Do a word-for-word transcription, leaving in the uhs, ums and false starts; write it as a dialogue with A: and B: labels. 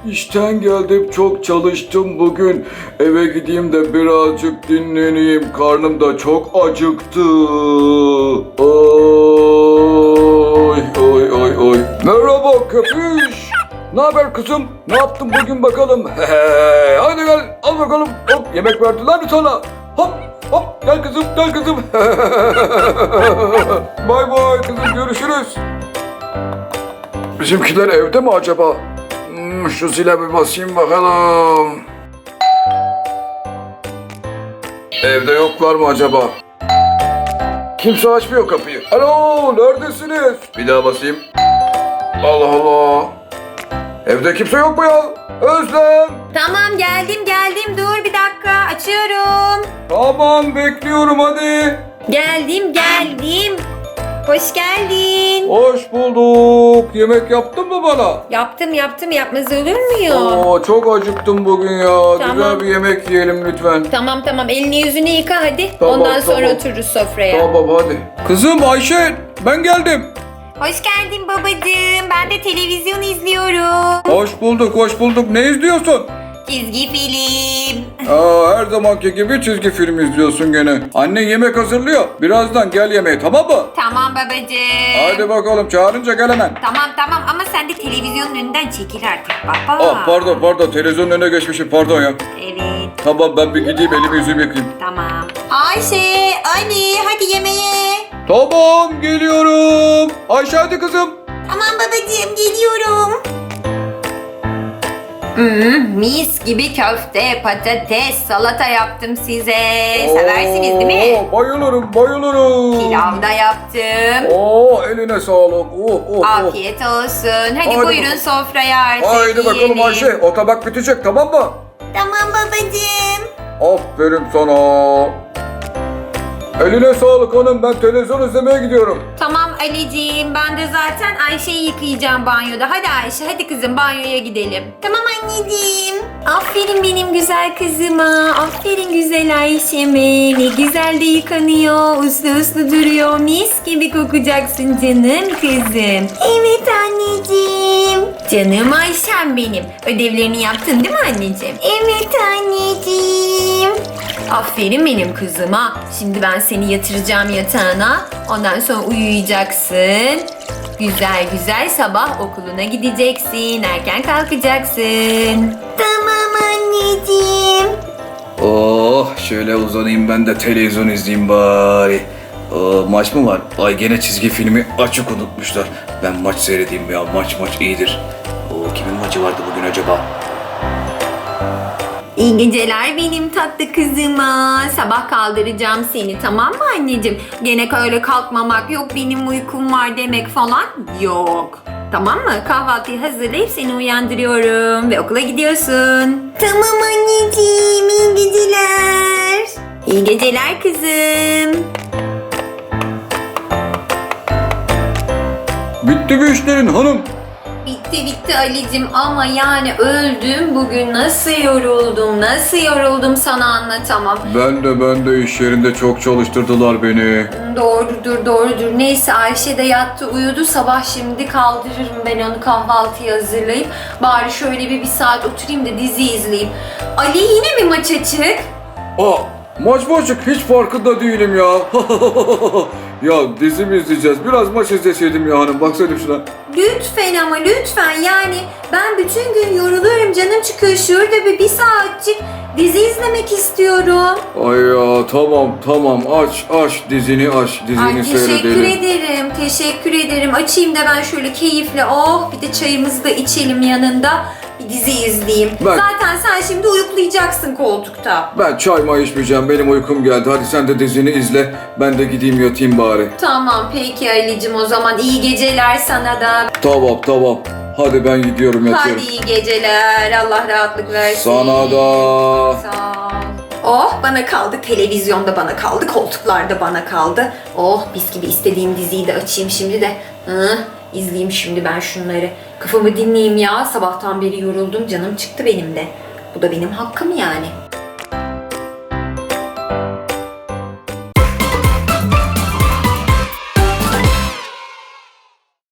A: işten geldim, çok çalıştım bugün. Eve gideyim de birazcık dinleneyim. Karnım da çok acıktı. Oy oy oy oy. Merhaba köpüş. Ne haber kızım? Ne yaptın bugün bakalım? Hadi gel, al bakalım. Hop, yemek verdiler mi sana? Hop hop, gel kızım, gel kızım. Bay bay kızım, görüşürüz. Bizimkiler evde mi acaba? Hmm, şu zile bir basayım bakalım. Evde yoklar mı acaba? Kimse açmıyor kapıyı. Alo, neredesiniz? Bir daha basayım. Allah Allah. Evde kimse yok mu ya? Özlem.
B: Tamam geldim geldim dur bir dakika açıyorum.
A: Tamam, bekliyorum hadi.
B: Geldim geldim. Hoş geldin.
A: Hoş bulduk. Yemek yaptın mı bana?
B: Yaptım yaptım yapmaz olur muyum?
A: Oo, çok acıktım bugün ya.
B: Tamam.
A: Güzel bir yemek yiyelim lütfen.
B: Tamam tamam elini yüzünü yıka hadi.
A: Tamam,
B: Ondan sonra
A: tamam.
B: otururuz sofraya.
A: Tamam hadi. Kızım Ayşe, ben geldim.
B: Hoş geldin babacığım. Ben de televizyon izliyorum.
A: Hoş bulduk, hoş bulduk. Ne izliyorsun?
B: Çizgi film.
A: Aa, her zamanki gibi çizgi film izliyorsun gene. Annen yemek hazırlıyor. Birazdan gel yemeğe, tamam mı?
B: Tamam babacığım.
A: Hadi bakalım, çağırınca gel hemen.
B: Tamam tamam ama sen de televizyonun önünden çekil artık baba.
A: Ah, pardon pardon, televizyonun önüne geçmişim, pardon ya.
B: Evet.
A: Tamam, ben bir gideyim, elimi yüzümü yıkayayım.
B: Tamam. Ayşe, Ali hadi yemeğe.
A: Tamam, geliyorum. Ayşe hadi kızım.
B: Tamam babacığım geliyorum. Hmm, mis gibi köfte, patates, salata yaptım size. Seversiniz değil mi?
A: Oo, bayılırım, bayılırım.
B: Pilav da yaptım.
A: Oo, eline sağlık. Oh, oh, oh.
B: Afiyet olsun. Hadi,
A: Haydi
B: buyurun
A: bakalım.
B: sofraya artık
A: Haydi bakalım
B: yiyelim.
A: Ayşe, o tabak bitecek, tamam mı?
B: Tamam babacığım.
A: Aferin sana. Eline sağlık hanım, ben televizyon izlemeye gidiyorum.
B: Tamam Ali'ciğim ben de zaten Ayşe'yi yıkayacağım banyoda. Hadi Ayşe hadi kızım banyoya gidelim. Tamam anneciğim. Aferin benim güzel kızıma. Aferin güzel Ayşe'me. Ne güzel de yıkanıyor. Uslu uslu duruyor. Mis gibi kokacaksın canım kızım. Evet anneciğim. Canım Ayşem benim. Ödevlerini yaptın değil mi anneciğim? Evet anneciğim. Aferin benim kızıma. Şimdi ben seni yatıracağım yatağına. Ondan sonra uyuyacaksın. Güzel güzel sabah okuluna gideceksin. Erken kalkacaksın. Tamam anneciğim.
A: Oh, şöyle uzanayım ben de televizyon izleyeyim bari. Aa, maç mı var? Ay, gene çizgi filmi açık unutmuşlar. Ben maç seyredeyim ya, maç maç iyidir. Oo, kimin maçı vardı bugün acaba?
B: İyi geceler benim tatlı kızıma. Sabah kaldıracağım seni tamam mı anneciğim? Gene öyle kalkmamak yok benim uykum var demek falan yok. Tamam mı? Kahvaltıyı hazırlayıp seni uyandırıyorum ve okula gidiyorsun. Tamam anneciğim iyi geceler. İyi geceler kızım.
A: Bitti mi işlerin hanım?
B: Bitti bitti Ali'cim ama yani öldüm bugün nasıl yoruldum nasıl yoruldum sana anlatamam.
A: Ben de ben de iş yerinde çok çalıştırdılar beni.
B: Doğrudur doğrudur neyse Ayşe de yattı uyudu sabah şimdi kaldırırım ben onu kahvaltıya hazırlayıp bari şöyle bir, bir saat oturayım da dizi izleyeyim. Ali yine mi maç açık?
A: Aa, maç mı açık, hiç farkında değilim ya. Ya dizi mi izleyeceğiz? Biraz maç izleseydim ya hanım, baksana şuna.
B: Lütfen ama lütfen yani ben bütün gün yoruluyorum canım çıkıyor şurada bir, bir saatçik dizi izlemek istiyorum.
A: Ay ya, tamam tamam, aç aç dizini aç, dizini
B: Ay teşekkür
A: seyredelim.
B: ederim teşekkür ederim açayım da ben şöyle keyifle oh bir de çayımızı da içelim yanında bir dizi izleyeyim.
A: Ben-
B: Zaten sen şimdi uyuklayacaksın koltukta.
A: Ben çay may içmeyeceğim, benim uykum geldi. Hadi sen de dizini izle, ben de gideyim yatayım bari.
B: Tamam peki Ali'cim o zaman iyi geceler sana da.
A: Tamam tamam, hadi ben gidiyorum yatıyorum.
B: Hadi iyi geceler Allah rahatlık versin.
A: Sana da.
B: Sağ ol. Oh bana kaldı televizyonda bana kaldı koltuklarda bana kaldı. Oh mis gibi istediğim diziyi de açayım şimdi de. Hı, izleyeyim şimdi ben şunları. Kafamı dinleyeyim ya sabahtan beri yoruldum canım çıktı benim de. Bu da benim hakkım yani.